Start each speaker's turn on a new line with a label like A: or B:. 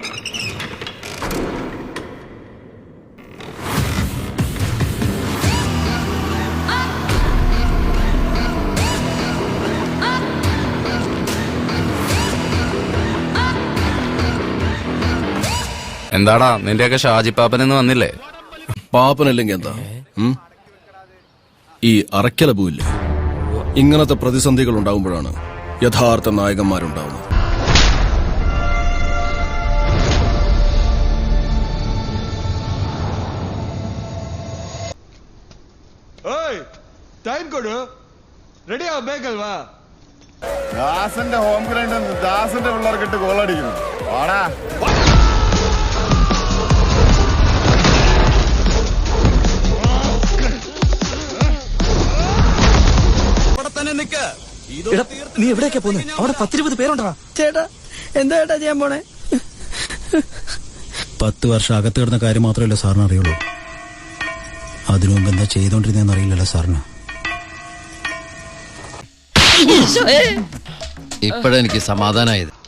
A: എന്താടാ നിന്റെയൊക്കെ ഷാജി പാപ്പനെന്ന് വന്നില്ലേ?
B: പാപ്പനല്ലെങ്കിൽ എന്താ? ഈ അറയ്ക്കല പൂവില്ലേ, ഇങ്ങനത്തെ പ്രതിസന്ധികൾ ഉണ്ടാകുമ്പോഴാണ് യഥാർത്ഥ നായകന്മാരുണ്ടാവുന്നത്.
C: ദാസന്റെ ഹോം ഗ്രൗണ്ടിൽ ദാസന്റെ പിള്ളേർക്കിട്ട് ഗോളടിക്കുന്നു. വാടാ
D: നീ എവിടേക്കാ പോന്നെ? അവിടെ 10-20 പേരുണ്ടാ. ചേട്ടാ എന്താ ചേട്ടാ ചെയ്യാൻ പോണേ?
E: 10 വർഷം അകത്ത് കിടന്ന കാര്യം മാത്രമല്ല സാറിന് അറിയുള്ളൂ. അതിനു മുമ്പ് എന്താ ചെയ്തോണ്ടിരുന്നേന്ന് അറിയില്ലല്ലോ സാറിന്.
F: ഇപ്പോഴെനിക്ക് സമാധാനമായത്.